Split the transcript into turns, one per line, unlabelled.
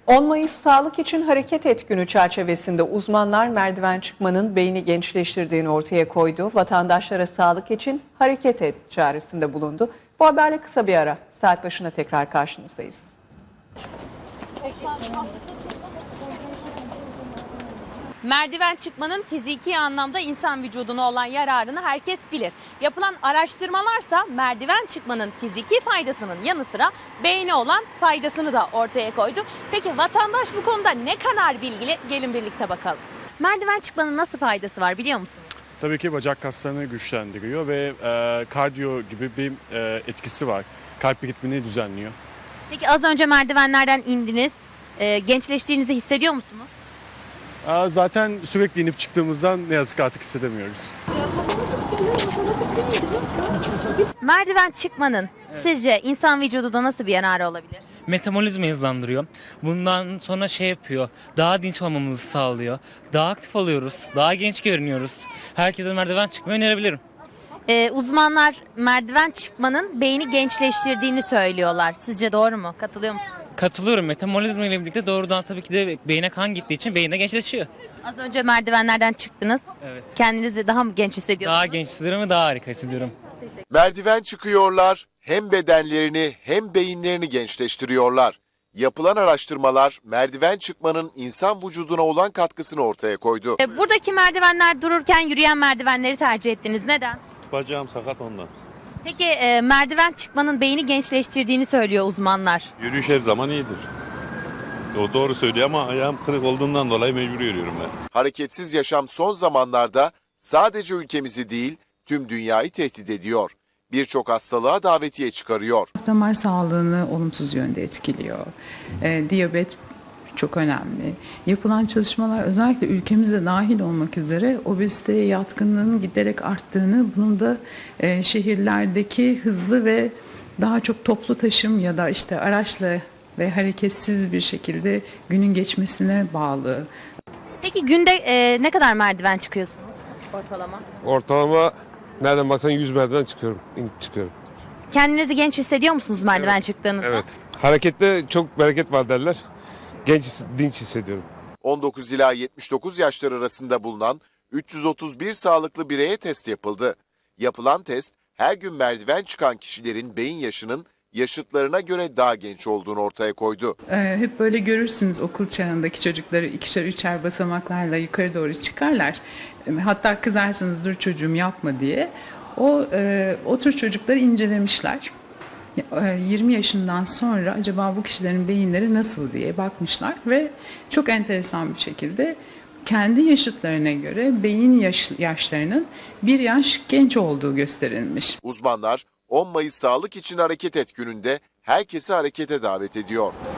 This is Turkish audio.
10 Mayıs Sağlık için Hareket Et günü çerçevesinde uzmanlar merdiven çıkmanın beyni gençleştirdiğini ortaya koydu. Vatandaşlara sağlık için hareket et çağrısında bulundu. Bu haberle kısa bir ara. Saat başına tekrar karşınızdayız.
Merdiven çıkmanın fiziki anlamda insan vücuduna olan yararını herkes bilir. Yapılan araştırmalarsa merdiven çıkmanın fiziki faydasının yanı sıra beyne olan faydasını da ortaya koydu. Peki vatandaş bu konuda ne kadar bilgili? Gelin birlikte bakalım. Merdiven çıkmanın nasıl faydası var biliyor musunuz?
Tabii ki bacak kaslarını güçlendiriyor ve kardiyo gibi bir etkisi var. Kalp ritmini düzenliyor.
Peki az önce merdivenlerden indiniz. Gençleştiğinizi hissediyor musunuz?
Zaten sürekli inip çıktığımızdan ne yazık ki artık hissedemiyoruz.
Merdiven çıkmanın sizce insan vücudunda nasıl bir yararı olabilir?
Metabolizmayı hızlandırıyor. Bundan sonra şey yapıyor, daha dinç olmamızı sağlıyor. Daha aktif oluyoruz, daha genç görünüyoruz. Herkese merdiven çıkmayı önerebilirim.
Uzmanlar merdiven çıkmanın beyni gençleştirdiğini söylüyorlar. Sizce doğru mu? Katılıyor musunuz?
Katılıyorum. Metabolizma ile birlikte doğrudan tabii ki de beyne kan gittiği için beyin de gençleşiyor.
Az önce merdivenlerden çıktınız.
Evet.
Kendinizi daha mı genç hissediyorsunuz?
Daha genç hissediyorum ve daha harika hissediyorum.
Merdiven çıkıyorlar, hem bedenlerini hem beyinlerini gençleştiriyorlar. Yapılan araştırmalar merdiven çıkmanın insan vücuduna olan katkısını ortaya koydu.
Buradaki merdivenler dururken yürüyen merdivenleri tercih ettiniz. Neden?
Bacağım sakat ondan.
Peki merdiven çıkmanın beyni gençleştirdiğini söylüyor uzmanlar.
Yürüyüş her zaman iyidir. O doğru söylüyor ama ayağım kırık olduğundan dolayı mecbur yürüyorum ben.
Hareketsiz yaşam son zamanlarda sadece ülkemizi değil tüm dünyayı tehdit ediyor. Birçok hastalığa davetiye çıkarıyor.
Damar sağlığını olumsuz yönde etkiliyor. Diyabet çok önemli. Yapılan çalışmalar özellikle ülkemizde dahil olmak üzere obeziteye yatkınlığın giderek arttığını, bunun da şehirlerdeki hızlı ve daha çok toplu taşım ya da işte araçla ve hareketsiz bir şekilde günün geçmesine bağlı.
Peki günde ne kadar merdiven çıkıyorsunuz ortalama?
Ortalama nereden baksan 100 merdiven çıkıyorum.
Kendinizi genç hissediyor musunuz merdiven çıktığınızda?
Evet. Harekette çok bereket var derler. Dinç hissediyorum.
19 ila 79 yaşlar arasında bulunan 331 sağlıklı bireye test yapıldı. Yapılan test her gün merdiven çıkan kişilerin beyin yaşının yaşıtlarına göre daha genç olduğunu ortaya koydu.
Hep böyle görürsünüz okul çağındaki çocukları ikişer üçer basamaklarla yukarı doğru çıkarlar. Hatta kızarsınız dur çocuğum yapma diye. O tür çocukları incelemişler. 20 yaşından sonra acaba bu kişilerin beyinleri nasıl diye bakmışlar ve çok enteresan bir şekilde kendi yaşıtlarına göre beyin yaşlarının bir yaş genç olduğu gösterilmiş.
Uzmanlar 10 Mayıs Sağlık için Hareket Et gününde herkesi harekete davet ediyor.